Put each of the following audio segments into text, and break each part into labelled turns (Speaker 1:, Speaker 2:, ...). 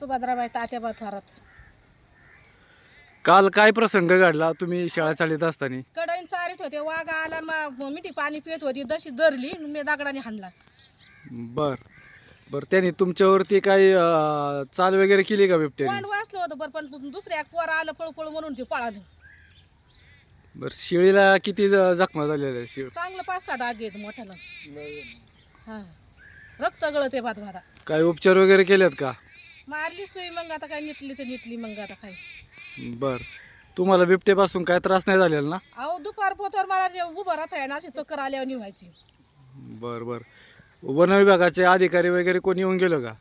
Speaker 1: सुभद्राबाई तात्याबा थोरात.
Speaker 2: काल काय प्रसंग घडला तुम्ही शाळा चालत असताना?
Speaker 1: कडईन चारीत होते, वाघ आला मिठी पाणी पित होती, दशी धरली मी दगडाने हाणला.
Speaker 2: बर बर, त्याने तुमच्यावरती काही चाल वगैरे केली का बिबट्याने?
Speaker 1: तोंड वाचलं होतं पण दुसऱ्या पोर आलं पळू पळू म्हणून ते पळालं.
Speaker 2: बर, शेळीला किती जखमा झालेल्या आहे? शेळ
Speaker 1: चांगलं 5-6 डाग आहेत मोठ्याला. हा, रक्त गळते भात भाता.
Speaker 2: काय उपचार वगैरे केलेत का?
Speaker 1: मारली सुई, मग आता काय निटली तर निटली, मग आता काय.
Speaker 2: बर, तुम्हाला बिबट्यापासून काय त्रास नाही झालेला ना?
Speaker 1: अहो दुपार पोतर मला जे उभं राहत आहे ना, अशी चक्कर आल्यावर निव्हायची.
Speaker 2: बर बर, वन विभागाचे अधिकारी वगैरे कोणी येऊन गेलं का?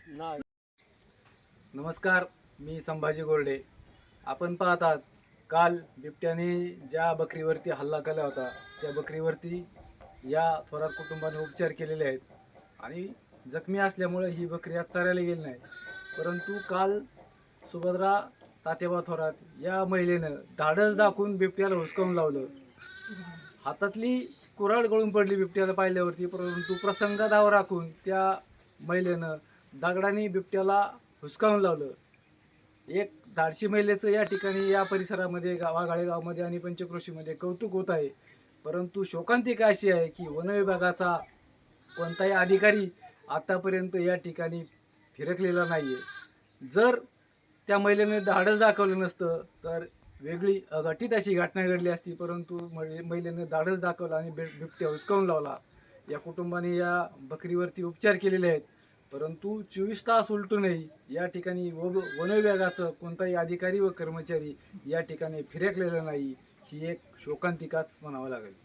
Speaker 2: नमस्कार, मी संभाजी गोरडे. आपण पाहतात काल बिबट्याने ज्या बकरीवरती हल्ला केला होता त्या बकरीवरती या थोरात कुटुंबाने उपचार केलेले आहेत आणि जखमी असल्यामुळे ही बकरी आज चरायला गेली नाही. परंतु काल सुभद्रा तात्याबा थोरात या महिलेनं धाडस दाखवून बिबट्याला हुसकावून लावलं. हातातली कुऱ्हाड गळून पडली बिबट्याला पाहिल्यावरती, परंतु प्रसंगादावर राखून त्या महिलेनं दगडाने बिबट्याला हुसकावून लावलं. एक धाडशी महिलेचं या ठिकाणी या परिसरामध्ये वाघाळे गावामध्ये आणि पंचक्रोशीमध्ये कौतुक होत आहे. परंतु शोकांतिका अशी आहे की वन विभागाचा कोणताही अधिकारी आतापर्यंत या ठिकाणी फिरकलेला नाही आहे. जर त्या महिलेने धाडस दाखवलं नसतं तर वेगळी अघटित अशी घटना घडली असती, परंतु महिलेने धाडस दाखवला आणि बिबट्या हुसकावून लावला. या कुटुंबाने या बकरीवरती उपचार केलेले आहेत, परंतु 24 तास उलटूनही या ठिकाणी वन विभागाचं कोणताही अधिकारी व कर्मचारी या ठिकाणी फिरकलेला नाही. ही एक शोकांतिकाच म्हणावं लागेल.